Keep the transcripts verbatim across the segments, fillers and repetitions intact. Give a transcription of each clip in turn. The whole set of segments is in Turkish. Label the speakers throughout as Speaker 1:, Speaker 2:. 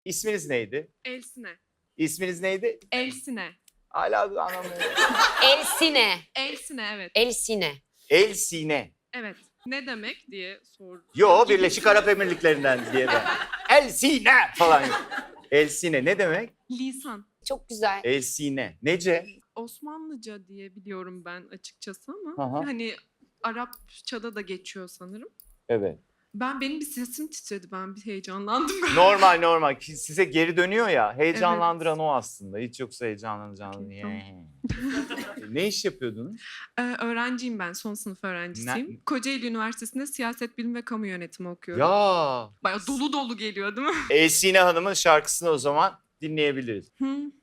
Speaker 1: İsminiz neydi?
Speaker 2: Elsine.
Speaker 1: İsminiz neydi?
Speaker 2: Elsine.
Speaker 1: Hala anlamıyorum.
Speaker 3: Elsine.
Speaker 2: Elsine evet.
Speaker 3: Elsine.
Speaker 1: El Sine.
Speaker 2: Evet. Ne demek diye sor.
Speaker 1: Yo, Birleşik Arap Emirlikleri'nden diye ben. El Sine falan. El Sine ne demek?
Speaker 2: Lisan.
Speaker 3: Çok güzel.
Speaker 1: El Sine. Nece?
Speaker 2: Osmanlıca diye biliyorum ben açıkçası ama
Speaker 1: Aha.
Speaker 2: hani Arapçada da geçiyor sanırım.
Speaker 1: Evet.
Speaker 2: Ben benim bir sesim titredi. Ben bir heyecanlandım.
Speaker 1: Normal normal. Ki size geri dönüyor ya. Heyecanlandıran o aslında. Hiç yoksa heyecanlanacağını.
Speaker 2: Okey, tamam.
Speaker 1: Ne iş yapıyordunuz?
Speaker 2: Ee, öğrenciyim ben. Son sınıf öğrencisiyim.
Speaker 1: Ne-
Speaker 2: Kocaeli Üniversitesi'nde siyaset bilimi ve kamu yönetimi okuyorum.
Speaker 1: Ya.
Speaker 2: Bayağı dolu dolu geliyor değil mi?
Speaker 1: El Sine Hanım'ın şarkısını o zaman dinleyebiliriz.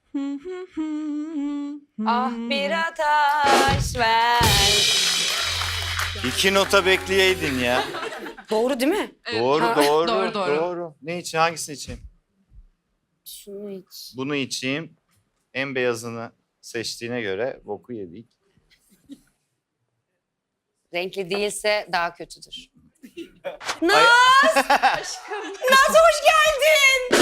Speaker 3: Ah bir ataş ver.
Speaker 1: İki nota bekleyeydin ya.
Speaker 3: Doğru değil mi?
Speaker 2: Evet.
Speaker 1: Doğru,
Speaker 2: Ha,
Speaker 1: doğru,
Speaker 2: doğru, doğru.
Speaker 1: doğru. Ne için? Hangisini içeyim?
Speaker 3: Şunu iç.
Speaker 1: Bunu içeyim. En beyazını seçtiğine göre boku yedik.
Speaker 3: Renkli değilse daha kötüdür.
Speaker 1: Ay-
Speaker 3: Naz! Naz hoş geldin.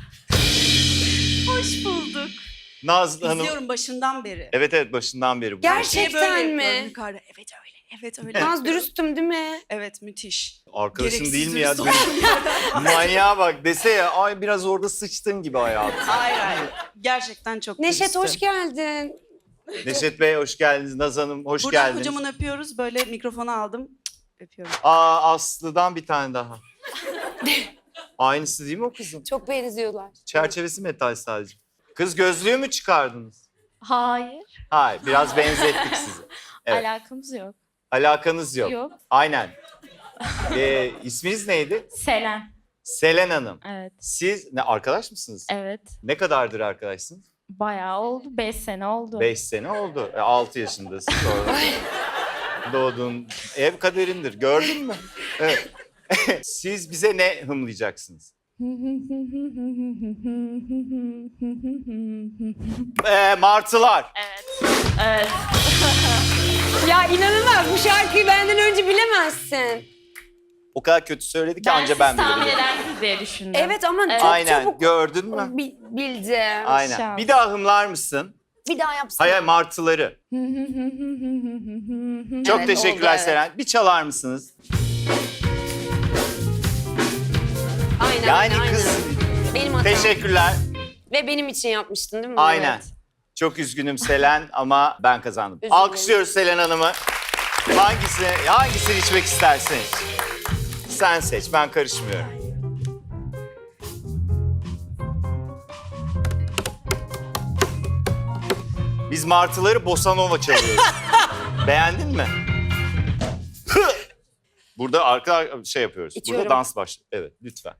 Speaker 2: Hoş bulduk.
Speaker 1: Nazlı Hanım.
Speaker 4: İzliyorum başından beri.
Speaker 1: Evet evet başından beri bu.
Speaker 3: Gel-
Speaker 4: Şeye
Speaker 3: Gerçekten
Speaker 4: böyle
Speaker 3: mi?
Speaker 4: yapıyorum yukarıda. Evet öyle. Evet öyle.
Speaker 3: Naz dürüstüm değil mi?
Speaker 4: Evet müthiş.
Speaker 1: Arkadaşın
Speaker 4: Gereksiz
Speaker 1: değil mi ya?
Speaker 4: dürüst
Speaker 1: Benim- Manyağa bak dese ya ay biraz orada sıçtın gibi hayatım.
Speaker 4: Hayır hayır. Gerçekten çok
Speaker 3: Neşet
Speaker 4: dürüsttü.
Speaker 3: hoş geldin.
Speaker 1: Neşet Bey hoş geldiniz. Naz Hanım hoş
Speaker 4: Buradan
Speaker 1: geldiniz.
Speaker 4: kocaman öpüyoruz. Böyle mikrofonu aldım. Cık, öpüyorum.
Speaker 1: Aa Aslı'dan bir tane daha. Aynısı değil mi o kızın?
Speaker 3: Çok benziyorlar.
Speaker 1: Çerçevesi metal sadece. Kız gözlüğü mü çıkardınız?
Speaker 5: Hayır,
Speaker 1: Hayır biraz benzettik sizi. Evet.
Speaker 5: alakamız yok.
Speaker 1: Alakanız yok.
Speaker 5: Yok.
Speaker 1: Aynen. Ee, isminiz neydi?
Speaker 5: Selen.
Speaker 1: Selen Hanım.
Speaker 5: Evet,
Speaker 1: Siz ne arkadaş mısınız?
Speaker 5: evet.
Speaker 1: Ne kadardır arkadaşsınız?
Speaker 5: Bayağı oldu, beş sene oldu.
Speaker 1: Beş sene oldu. E, altı yaşındasın. Sonra doğduğun ev kaderindir. Gördün mü? Evet. Siz bize ne hımlayacaksınız? Ee, martılar.
Speaker 5: Evet, evet.
Speaker 3: Ya inanılmaz bu şarkıyı benden önce bilemezsin.
Speaker 1: O kadar kötü söyledi ki
Speaker 5: Ben
Speaker 1: anca
Speaker 5: siz
Speaker 1: ben
Speaker 5: tahmin
Speaker 1: bilirim.
Speaker 5: edersiniz diye düşündüm.
Speaker 3: Evet ama
Speaker 5: Evet.
Speaker 3: çok
Speaker 1: Aynen.
Speaker 3: çabuk
Speaker 1: Gördün mü?
Speaker 3: bi- bildim.
Speaker 1: Aynen.
Speaker 5: Şans.
Speaker 1: Bir daha hımlar mısın?
Speaker 3: Bir daha yapsana.
Speaker 1: Hayır martıları. Çok
Speaker 3: Evet,
Speaker 1: teşekkürler
Speaker 3: oldu, evet.
Speaker 1: Selen. Bir çalar mısınız?
Speaker 3: Aynen,
Speaker 1: Yani
Speaker 3: aynen.
Speaker 1: kız
Speaker 3: Benim hatam.
Speaker 1: teşekkürler.
Speaker 3: Ve benim için yapmıştın değil mi?
Speaker 1: Aynen.
Speaker 3: Evet.
Speaker 1: Çok üzgünüm Selen ama ben kazandım.
Speaker 3: Üzgünüm.
Speaker 1: Alkışlıyoruz Selen Hanım'ı. Hangisini, hangisini içmek istersin? Sen seç, ben karışmıyorum. Biz martıları bossa nova çalıyoruz. Beğendin mi? Burada arka şey yapıyoruz.
Speaker 3: İçiyorum.
Speaker 1: Burada dans başlıyor. Evet, lütfen.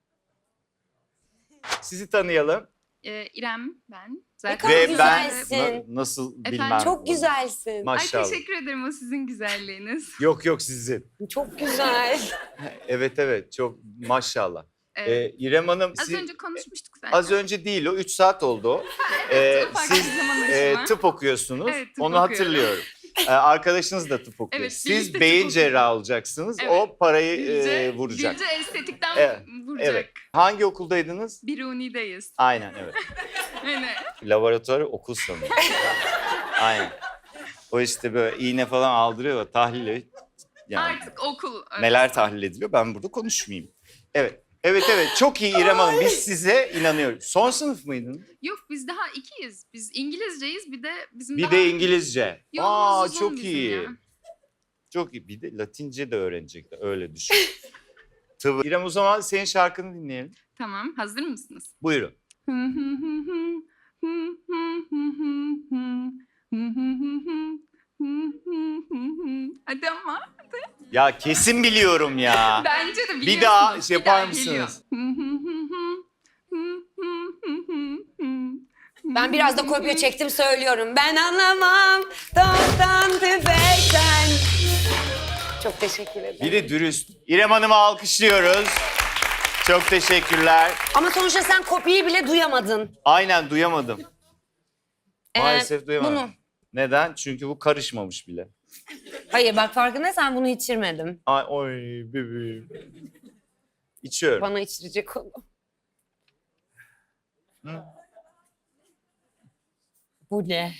Speaker 1: Sizi tanıyalım.
Speaker 2: Ee, İrem ben.
Speaker 3: Ne
Speaker 2: Zaten
Speaker 3: kadar
Speaker 1: Ve ben
Speaker 3: güzelsin.
Speaker 1: na- nasıl
Speaker 2: Efendim?
Speaker 1: bilmem.
Speaker 3: Çok güzelsin.
Speaker 2: Ay
Speaker 1: Maşallah.
Speaker 2: teşekkür ederim o sizin güzelliğiniz.
Speaker 1: Yok yok sizin.
Speaker 3: Çok güzel.
Speaker 1: Evet evet çok maşallah.
Speaker 2: Evet.
Speaker 1: Ee, İrem Hanım
Speaker 2: Az
Speaker 1: siz-
Speaker 2: önce konuşmuştuk zaten.
Speaker 1: az önce değil o üç saat oldu o. Ee,
Speaker 2: farklı
Speaker 1: siz
Speaker 2: bir zaman
Speaker 1: e,
Speaker 2: aşımı.
Speaker 1: tıp okuyorsunuz.
Speaker 2: Evet, tıp
Speaker 1: Onu
Speaker 2: okuyorum.
Speaker 1: hatırlıyorum. Ee, arkadaşınız da tıp okuyor.
Speaker 2: Evet,
Speaker 1: Siz
Speaker 2: birlikte tıp
Speaker 1: beyin
Speaker 2: okuyoruz.
Speaker 1: cerrahı olacaksınız.
Speaker 2: Evet.
Speaker 1: O parayı
Speaker 2: Gülce,
Speaker 1: e, vuracak.
Speaker 2: Gülce estetikten
Speaker 1: Evet,
Speaker 2: vuracak.
Speaker 1: Evet. Hangi okuldaydınız?
Speaker 2: Biruni'deyiz.
Speaker 1: Aynen evet.
Speaker 2: Yani,
Speaker 1: Laboratuvarı okul sanıyorum. Aynen. O işte böyle iğne falan aldırıyor tahlil. Yani.
Speaker 2: artık okul.
Speaker 1: Neler tahlil ediliyor ben burada konuşmayayım. Evet. Evet evet çok iyi İrem Hanım biz size inanıyoruz. Son sınıf mıydınız?
Speaker 2: Yok biz daha ikiyiz. Biz İngilizceyiz bir de bizim
Speaker 1: Bir
Speaker 2: daha...
Speaker 1: de İngilizce.
Speaker 2: Yolumuz
Speaker 1: Aa
Speaker 2: uzun
Speaker 1: çok
Speaker 2: bizim
Speaker 1: iyi.
Speaker 2: ya.
Speaker 1: Çok iyi. Bir de Latince de öğrenecekler öyle düşün. Tabii. İrem o zaman senin şarkını dinleyelim.
Speaker 2: Tamam hazır mısınız?
Speaker 1: Buyurun.
Speaker 2: Hadi ama.
Speaker 1: Ya kesin biliyorum ya.
Speaker 2: Bence de biliyorsunuz.
Speaker 1: Bir daha şey
Speaker 2: Bir
Speaker 1: yapar
Speaker 2: daha
Speaker 1: mısınız?
Speaker 2: geliyor.
Speaker 3: Ben biraz da kopya çektim söylüyorum. Ben anlamam toptan tüfekten. Çok teşekkür ederim.
Speaker 1: Bir de dürüst. İrem Hanım'ı alkışlıyoruz. Çok teşekkürler.
Speaker 3: Ama sonuçta sen kopyayı bile duyamadın.
Speaker 1: Aynen duyamadım.
Speaker 3: Ee,
Speaker 1: Maalesef duyamadım.
Speaker 3: bunu.
Speaker 1: Neden? Çünkü bu karışmamış bile.
Speaker 3: Hayır bak farkındaysan bunu içirmedim.
Speaker 1: Ay oy bebeğim. İçiyorum.
Speaker 3: Bana içirecek onu. Bu ne?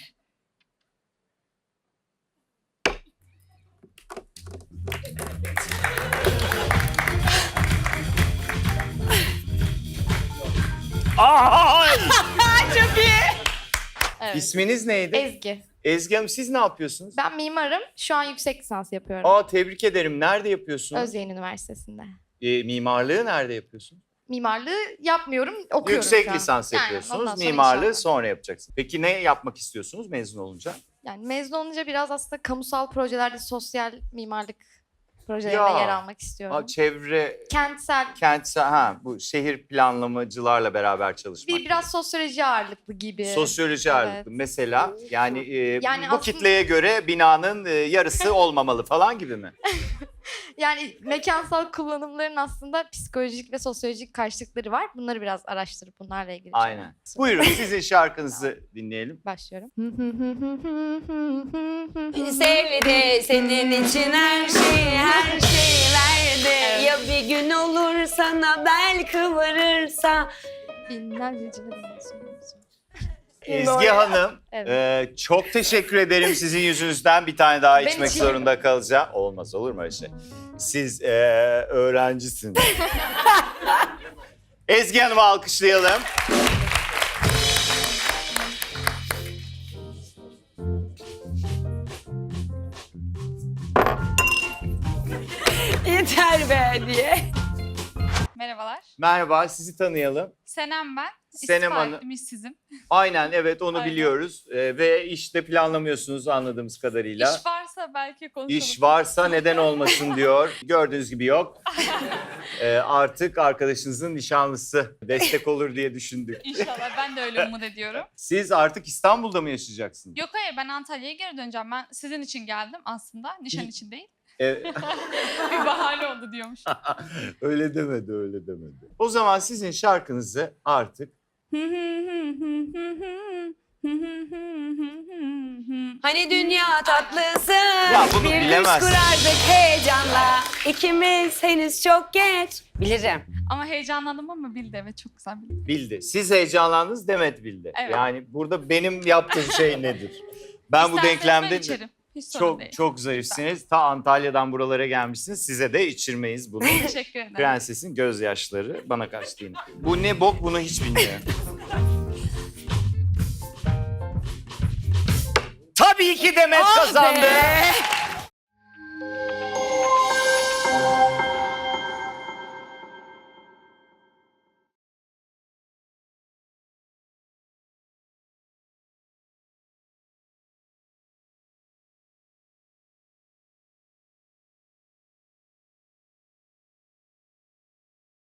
Speaker 1: Ay!
Speaker 3: Çok iyi.
Speaker 6: Evet.
Speaker 1: İsminiz neydi?
Speaker 6: Ezgi.
Speaker 1: Ezgi Hanım siz ne yapıyorsunuz?
Speaker 6: Ben mimarım. Şu an yüksek lisans yapıyorum.
Speaker 1: Aa tebrik ederim. Nerede yapıyorsunuz?
Speaker 6: Özyeğin Üniversitesi'nde.
Speaker 1: Ee, mimarlığı nerede yapıyorsun?
Speaker 6: Mimarlığı yapmıyorum, okuyorum
Speaker 1: Yüksek
Speaker 6: şu an.
Speaker 1: lisans
Speaker 6: Aynen,
Speaker 1: yapıyorsunuz.
Speaker 6: ondan sonra
Speaker 1: Mimarlığı
Speaker 6: inşallah.
Speaker 1: sonra yapacaksınız. Peki ne yapmak istiyorsunuz mezun olunca?
Speaker 6: Yani mezun olunca biraz aslında kamusal projelerde sosyal mimarlık projelerinde
Speaker 1: Ya.
Speaker 6: yer almak istiyorum.
Speaker 1: Aa, çevre,
Speaker 6: Kentsel,
Speaker 1: kentsel, ha bu şehir planlamacılarla beraber çalışmak.
Speaker 6: bir biraz sosyoloji ağırlıklı gibi.
Speaker 1: Sosyoloji
Speaker 6: Evet.
Speaker 1: ağırlıklı. Mesela yani, e,
Speaker 6: Yani
Speaker 1: bu
Speaker 6: aslında-
Speaker 1: kitleye göre binanın e, yarısı olmamalı falan gibi mi?
Speaker 6: Yani mekansal kullanımların aslında psikolojik ve sosyolojik karşılıkları var. Bunları biraz araştırıp bunlarla ilgili şeyler
Speaker 1: Aynen. Buyurun sizin şarkınızı dinleyelim.
Speaker 6: başlıyorum.
Speaker 3: Sevdi senin için her şeyi, her şeyi verdi. Ya bir gün olur sana bel kıvırırsa.
Speaker 6: Binlerce cümle söylüyorsun.
Speaker 1: Ezgi Hanım,
Speaker 6: Evet.
Speaker 1: e, çok teşekkür ederim. Sizin yüzünüzden bir tane daha
Speaker 6: Ben
Speaker 1: içmek
Speaker 6: içeyim.
Speaker 1: zorunda kalacağım. Olmaz olur mu öyle şey? Siz e, öğrencisiniz. Ezgi Hanım'ı alkışlayalım.
Speaker 3: Yeter be diye.
Speaker 7: Merhabalar.
Speaker 1: Merhaba, sizi tanıyalım.
Speaker 7: Senem ben.
Speaker 1: Senem
Speaker 7: İstifa
Speaker 1: Hanım.
Speaker 7: ettim, işsizim.
Speaker 1: Aynen, evet onu
Speaker 7: Aynen.
Speaker 1: biliyoruz. E, ve işte planlamıyorsunuz anladığımız kadarıyla.
Speaker 7: İş varsa belki konuşalım.
Speaker 1: İş varsa neden olmasın diyor. Gördüğünüz gibi yok. E, artık arkadaşınızın nişanlısı destek olur diye düşündük.
Speaker 7: İnşallah, ben de öyle umut ediyorum.
Speaker 1: Siz artık İstanbul'da mı yaşayacaksınız?
Speaker 7: Yok hayır, ben Antalya'ya geri döneceğim. Ben sizin için geldim aslında. Nişan için değil.
Speaker 1: E,
Speaker 7: Bir bahane oldu diyormuş.
Speaker 1: öyle demedi, öyle demedi. O zaman sizin şarkınızı artık
Speaker 3: Hani dünya tatlısı,
Speaker 1: Ya bunu
Speaker 3: bir düş
Speaker 1: bilemezsin.
Speaker 3: kurardık heyecanla. İkimiz henüz çok geç. Bilirim.
Speaker 7: Ama heyecanlandım ama bildi, evet, çok güzel bildi.
Speaker 1: bildi. Siz heyecanlandınız, Demet bildi.
Speaker 7: Evet.
Speaker 1: Yani burada benim yaptığım şey nedir? Ben bu
Speaker 7: İsterseniz
Speaker 1: denklemde
Speaker 7: ben içerim. Hiç sorun
Speaker 1: çok
Speaker 7: değil.
Speaker 1: çok zarifsiniz. Ta Antalya'dan buralara gelmişsiniz. Size de içirmeyiz bunu.
Speaker 7: Teşekkür ederim.
Speaker 1: Prensesin gözyaşları bana kaçtı yine. Bu ne bok, bunu hiç bilmiyorum. Tabii ki Demet
Speaker 3: Ah
Speaker 1: kazandı.
Speaker 3: be!